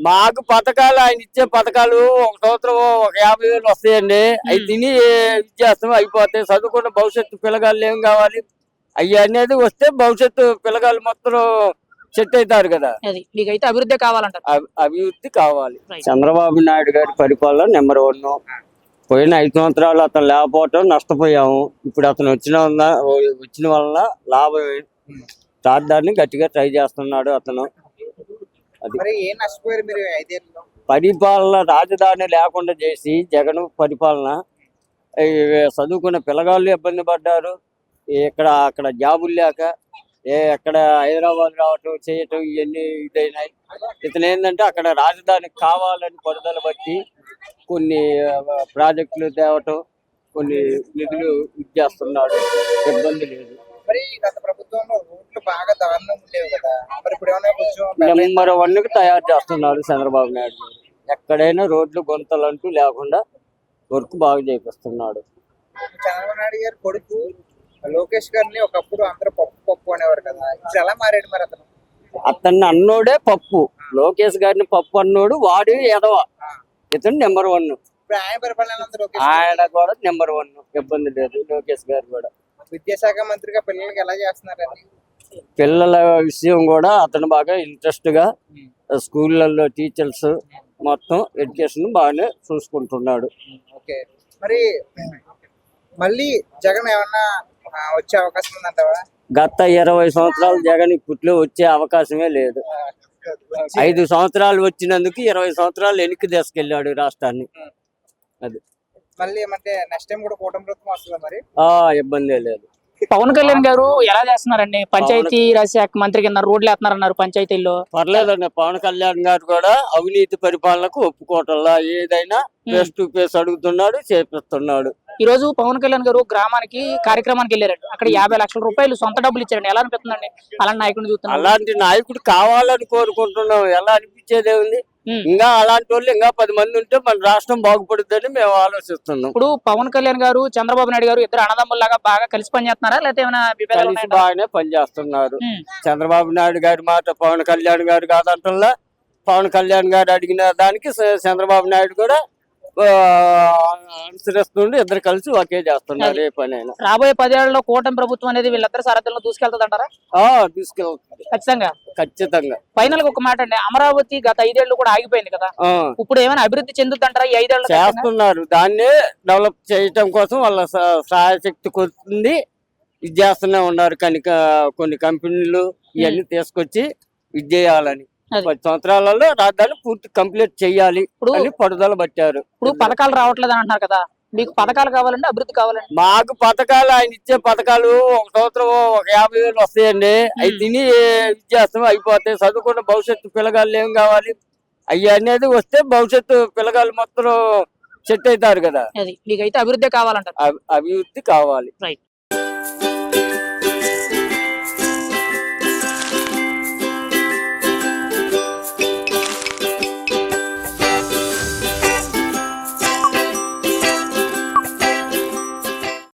మాకు పథకాలు ఆయన ఇచ్చే పథకాలు ఒక సంవత్సరం ఒక 50,000 వస్తాయండి. అవి తిని ఇచ్చేస్తాం, అయిపోతాయి. చదువుకున్న భవిష్యత్తు పిల్లగాళ్ళు ఏం కావాలి, అవి అనేది వస్తే భవిష్యత్తు పిల్లగాళ్ళు మొత్తం సెట్ అవుతారు కదా. మీకైతే అభివృద్ధి కావాలంటారు. అభివృద్ధి కావాలి. చంద్రబాబు నాయుడు గారి పరిపాలన నెంబర్ 1. పోయిన 5 సంవత్సరాలు అతను లేకపోవటం నష్టపోయాము. ఇప్పుడు అతను వచ్చిన వలన లాభం. రాజధానిని గట్టిగా ట్రై చేస్తున్నాడు అతను. పరిపాలన రాజధాని లేకుండా చేసి జగన్ పరిపాలన చదువుకున్న పిల్లగాళ్ళు ఇబ్బంది పడ్డారు. అక్కడ జాబులు లేక ఎక్కడ హైదరాబాద్ రావటం చేయటం ఇవన్నీ ఇదైనాయి. ఇతను ఏంటంటే అక్కడ రాజధానికి కావాలని పడుదల బట్టి కొన్ని ప్రాజెక్టులు తేవటం, కొన్ని నిధులు ఇచ్చేస్తున్నాడు. ఇబ్బంది లేదు. నెంబర్ 1కి తయారు చేస్తున్నారు చంద్రబాబు నాయుడు. ఎక్కడైనా రోడ్లు గుంతలు అంటూ లేకుండా వర్క్ బాగా చేపిస్తున్నాడు. చంద్రబాబు నాయుడు గారు కొడుకు లోకేష్ గారిని ఒకప్పుడు అందరూ పప్పు అనేవారు కదా, ఎలా మారాడు మరి అతను? అతన్ని అన్నోడే పప్పు, లోకేష్ గారిని పప్పు అన్నోడు వాడు ఎదవ. ఇతను నెంబర్ 1. ఆయన కూడా నెంబర్ 1, ఇబ్బంది లేదు. లోకేష్ గారు కూడా విద్యాశాఖ మంత్రిగా పిల్లలకి ఎలా చేస్తున్నారండి? పిల్లల విషయం కూడా అతను బాగా ఇంట్రెస్ట్ గా స్కూళ్ళల్లో టీచర్స్ మొత్తం ఎడ్యుకేషన్ బాగానే చూసుకుంటున్నాడు. ఓకే, మరి మళ్ళీ జగన్ ఏమన్నా వచ్చే అవకాశం ఉందంటావా? గత 20 సంవత్సరాలు జగన్ ఇప్పట్లో వచ్చే అవకాశమే లేదు. 5 సంవత్సరాలు వచ్చినందుకు 20 సంవత్సరాలు వెనక్కి తీసుకెళ్ళాడు రాష్ట్రాన్ని. అది మళ్ళీ ఏమంటే నెక్స్ట్ టైం కూడా కూటమి ప్రభుత్వం వస్తుందా మరి? ఇబ్బంది లేదు. పవన్ కళ్యాణ్ గారు ఎలా చేస్తున్నారండి? పంచాయతీ రాజ్ శాఖ మంత్రి కింద రోడ్లు వేస్తున్నారన్నారు పంచాయతీల్లో. పర్లేదండి. పవన్ కళ్యాణ్ గారు కూడా అవినీతి పరిపాలనకు ఒప్పుకోవటంలా ఏదైనా ఫేస్ టు ఫేస్ అడుగుతున్నాడు, చేపిస్తున్నాడు. ఈ రోజు పవన్ కళ్యాణ్ గారు గ్రామానికి కార్యక్రమానికి వెళ్ళారండి. అక్కడ 50 లక్షల రూపాయలు సొంత డబ్బులు ఇచ్చారండి. ఎలా అనిపిస్తుందండి అలాంటి నాయకుడిని చూస్తున్నాం? అలాంటి నాయకుడు కావాలని కోరుకుంటున్నాం. ఎలా అనిపించేదే ఉంది. ఇంకా అలాంటి వాళ్ళు ఇంకా 10 మంది ఉంటే మన రాష్ట్రం బాగుపడుతుందని మేము ఆలోచిస్తున్నాం. ఇప్పుడు పవన్ కళ్యాణ్ గారు చంద్రబాబు నాయుడు గారు ఇద్దరు అన్నదమ్ముల్లాగా బాగా కలిసి పనిచేస్తున్నారా, లేకపోతే ఏమైనా కలిసి బాగానే పనిచేస్తున్నారు. చంద్రబాబు నాయుడు గారి మాట పవన్ కళ్యాణ్ గారు కాదంటల్లా, పవన్ కళ్యాణ్ గారు అడిగిన దానికి చంద్రబాబు నాయుడు కూడా అనుసరిస్తుండే. ఇద్దరు కలిసి ఒకే చేస్తున్నారు ఏ పని అయినా. రాబోయే 10 ఏళ్లలో కూటమి ప్రభుత్వం అనేది వీళ్ళిద్దరు సారథ్యంలో దూసుకెళ్తుంది అంటారా? తీసుకెళ్తుంది ఖచ్చితంగా. ఫైనల్ గా ఒక మాట అండి, అమరావతి గత 5 ఏళ్లు కూడా ఆగిపోయింది కదా, ఇప్పుడు ఏమైనా అభివృద్ధి చెందుతుంటారా ఈ 5 ఏళ్ళు? చేస్తున్నారు. దాన్ని డెవలప్ చేయటం కోసం వాళ్ళ సహాయశక్తి కొద్ది ఇది చేస్తూనే ఉన్నారు. కొన్ని కంపెనీలు ఇవన్నీ తీసుకొచ్చి ఇది చేయాలని 10 సంవత్సరాలలో రాజధాని పూర్తి కంప్లీట్ చెయ్యాలి అని పడుదల పట్టారు. ఇప్పుడు పథకాలు రావట్లేదు అని అంటున్నారు కదా, మీకు పథకాలు కావాలంటే అభివృద్ధి కావాలండి? మాకు పథకాలు ఆయన ఇచ్చే పథకాలు ఒక సంవత్సరం ఒక 50,000 వస్తాయండి. అవి తిని ఇచ్చేస్తాం, అయిపోతాయి. చదువుకున్న భవిష్యత్తు పిల్లగాళ్ళు ఏం కావాలి, అవి అనేది వస్తే భవిష్యత్తు పిల్లగాళ్ళు మొత్తం సెట్ అవుతారు కదా. మీకైతే అభివృద్ధి కావాలంటారు? అభివృద్ధి కావాలి.